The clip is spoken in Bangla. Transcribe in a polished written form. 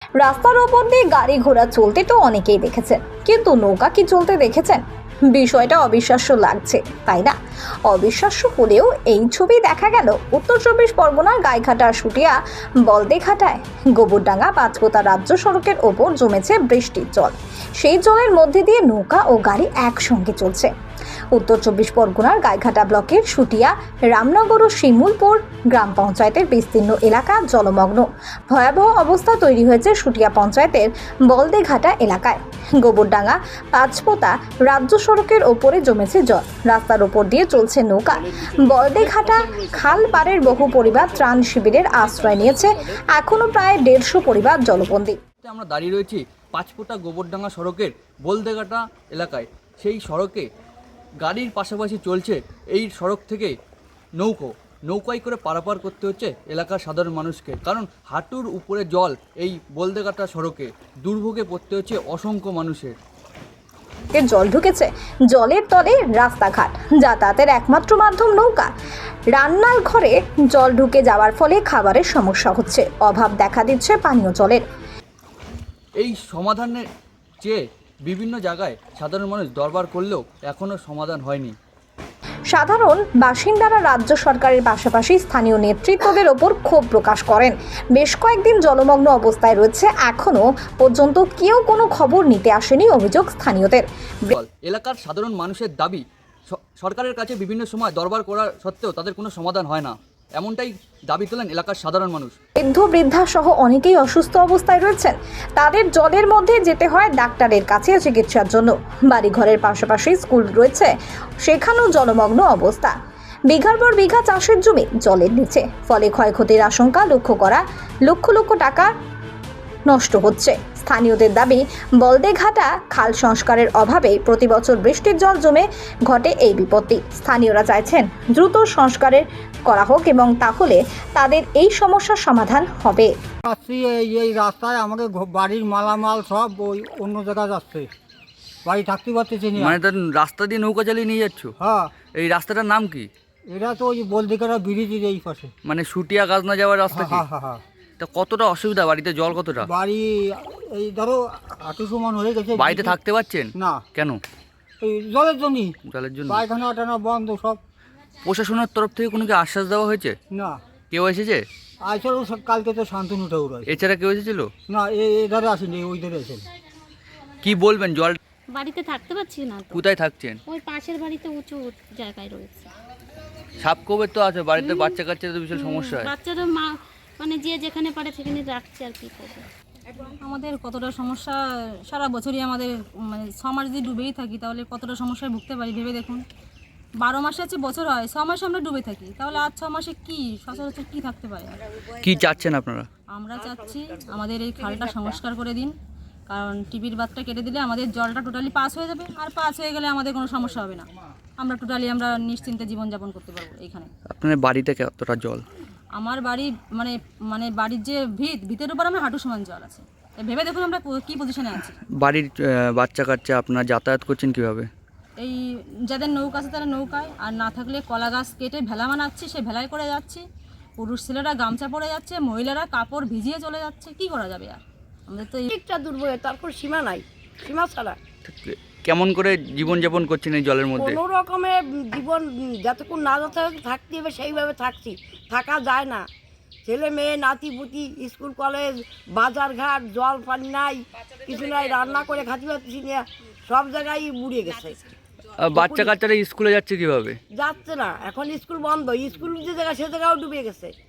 রাস্তার ওপর দিয়ে গাড়ি ঘোড়া চলতে তো অনেকেই দেখেছেন, কিন্তু নৌকা কি চলতে দেখেছেন? বিষয়টা অবিশ্বাস্য লাগছে, তাই না? অবিশ্বাস্য হলেও এই ছবি দেখা গেল উত্তর চব্বিশ পরগনার গাইঘাটা শুটিয়া বলদেঘাটায়। গোবরডাঙ্গা পাঁচপোতা রাজ্য সড়কের ওপর জমেছে বৃষ্টির জল। সেই জলের মধ্যে দিয়ে নৌকা ও গাড়ি একসঙ্গে চলছে। উত্তর চব্বিশ পরগনার গাইঘাটা ব্লকের শুটিয়া রামনগর ও শিমুলপুর গ্রাম পঞ্চায়েতের বিস্তীর্ণ এলাকা জলমগ্ন। ভয়াবহ অবস্থা তৈরি হয়েছে শুটিয়া পঞ্চায়েতের বলদেঘাটা এলাকায়। গোবরডাঙ্গা পাঁচপোতা রাজ্য সড়কের ওপরে জমেছে জল। রাস্তার ওপর দিয়ে চলছে নৌকা। বলদেঘাটা খাল পাড়ের বহু পরিবার ত্রাণ শিবিরের আশ্রয় নিয়েছে। এখনো প্রায় 150 পরিবার জলবন্দী। আমরা দাঁড়িয়ে রয়েছি পাঁচপোতা গোবরডাঙ্গা সড়কের বলদেঘাটা এলাকায়। সেই সড়কে গাড়ির পাশাপাশি চলছে এই সড়ক থেকে নৌকায় করে পারাপার করতে হচ্ছে এলাকার সাধারণ মানুষকে, কারণ হাঁটুর উপরে জল। এই বলদেঘাটা সড়কে দুর্ভোগে পড়তে হচ্ছে অসংখ্য মানুষের। জল ঢুকেছে, জলের তলে রাস্তাঘাট, যাতায়াতের একমাত্র মাধ্যম নৌকা। রান্নার ঘরে জল ঢুকে যাওয়ার ফলে খাবারের সমস্যা হচ্ছে, অভাব দেখা দিচ্ছে পানীয় জলের। এই সমাধানের চেয়ে বিভিন্ন জায়গায় সাধারণ মানুষ দরবার করলেও এখনও সমাধান হয়নি। সাধারণ বাসিন্দারা রাজ্য সরকারের পাশাপাশি স্থানীয় নেতৃত্বদের ওপর ক্ষোভ প্রকাশ করেন। বেশ কয়েকদিন জলমগ্ন অবস্থায় রয়েছে, এখনো পর্যন্ত কেউ কোনো খবর নিতে আসেনি, অভিযোগ স্থানীয়দের। এলাকার সাধারণ মানুষের দাবি, সরকারের কাছে বিভিন্ন সময় দরবার করা সত্ত্বেও তাদের কোনো সমাধান হয় না, এমনটাই দাবি তোলেন এলাকার সাধারণ মানুষ। বৃদ্ধা সহ অনেকেই অসুস্থ অবস্থায় রয়েছেন। তাদের জলের মধ্যে যেতে হয় ডাক্তারের কাছে চিকিৎসার জন্য। বাড়িঘরের পাশাপাশি স্কুল রয়েছে, সেখানেও জলমগ্ন অবস্থা। বিঘার পর বিঘা চাষের জমি জলের নিচে, ফলে ক্ষয়ক্ষতির আশঙ্কা লক্ষ্য করা। লক্ষ লক্ষ টাকা নষ্ট হচ্ছে। স্থানীয়দের দাবি, বলদেঘাটা খাল সংস্কারের অভাবে প্রতি বছর বৃষ্টির জল জমে ঘটে এই বিপত্তি। স্থানীয়রা চাইছেন দ্রুত সংস্কারের করা হোক এবং তাহলে তাদের এই সমস্যার সমাধান হবে। এই রাস্তায় আমাদের বাড়ির মালামাল সব ওই অন্য জায়গায় যাচ্ছে, বাড়ি থাকতে পারতেছি না। মানে তার রাস্তা দিয়ে নৌকা চালিয়ে নিয়ে যাচ্ছ? হ্যাঁ। এই রাস্তাটার নাম কি? এটা তো ওই বলদেঘাটা ব্রিজের এই পাশে, মানে শুটিয়া গাজনা যাওয়ার রাস্তা কি? হ্যাঁ হ্যাঁ। তা কতটা অসুবিধা, বাড়িতে জল কতটা? বাড়ি এই ধরো হাঁটু সমান হয়ে গেছে। বাড়িতে থাকতে পারছেন না। কেন? এই জলের জন্যই, জলের জন্য। পায়খানা টানা বন্ধ সব। প্রশাসনের তরফ থেকে কোনো কি আশ্বাস দেওয়া হয়েছে? না। কেউ এসেছে? আসলে কালকে তো শান্তনু ঠাকুর আছে। এছাড়া কেউ এসেছিল? না, এধারে আসেনি, ওই ধারে আসেন। কি বলবেন? জল বাড়িতে থাকতে পারছি না তো। কোথায় থাকছেন? ওই পাশের বাড়িতে উঁচু জায়গায় রয়েছে। সাপকোবের তো আছে বাড়িতে, বাচ্চা কাচ্চাদের তো বিশাল সমস্যা হয়। বাচ্চারা মানে যে যেখানে পারে সেখানে রাখছে, আর কি করবে। আমাদের কতটা সমস্যা, সারা বছরই আমাদের মানে 6 মাস যদি ডুবেই থাকি তাহলে কতটা সমস্যায় ভুগতে পারি ভেবে দেখুন। 12 মাসে আছে বছর হয়, 6 মাসে আমরা ডুবে থাকি, তাহলে আর 6 মাসে কি সচরাচর কি থাকতে পারে? কি চাচ্ছেন আপনারা? আমরা চাচ্ছি আমাদের এই খালটা সংস্কার করে দিন, কারণ টিভির বাঁধটা কেটে দিলে আমাদের জলটা টোটালি পাস হয়ে যাবে, আর পাস হয়ে গেলে আমাদের কোনো সমস্যা হবে না। আমরা টোটালি আমরা নিশ্চিন্তে জীবনযাপন করতে পারবো এইখানে। আপনার বাড়িতে কতটা জল? আমার বাড়ি মানে মানে বাড়ির যে ভিতের উপর আমার হাঁটু সমান জল আছে। ভেবে দেখুন আমরা কি পজিশনে আছি। বাড়ির বাচ্চা কাচ্চা আপনারা যাতায়াত করছেন কিভাবে? এই যাদের নৌকা আছে তারা নৌকায়, আর না থাকলে কলা গাছ কেটে ভেলা বানাচ্ছি, সে ভেলায় করে যাচ্ছি। পুরুষ ছেলেরা গামছা পরে যাচ্ছে, মহিলারা কাপড় ভিজিয়ে চলে যাচ্ছে। কি করা যাবে আর? আমাদের তো একটা দুর্ভোগ, তারপর সীমা নাই, সীমা ছাড়া। কেমন করে জীবনযাপন করছেন এই জলের মধ্যে? কোনো রকমের জীবন যতক্ষণ না থাকতে হবে সেইভাবে থাকছি, থাকা যায় না। ছেলে মেয়ে নাতি পুতি, স্কুল কলেজ, বাজার ঘাট, জল পানি নাই, কিছু নাই, রান্না করে খাতে পারছি না, সব জায়গায় বুড়িয়ে গেছে। বাচ্চা কাচ্চারা স্কুলে যাচ্ছে কিভাবে? যাচ্ছে না, এখন স্কুল বন্ধ, স্কুল যে জায়গা সে জায়গাও ডুবে গেছে।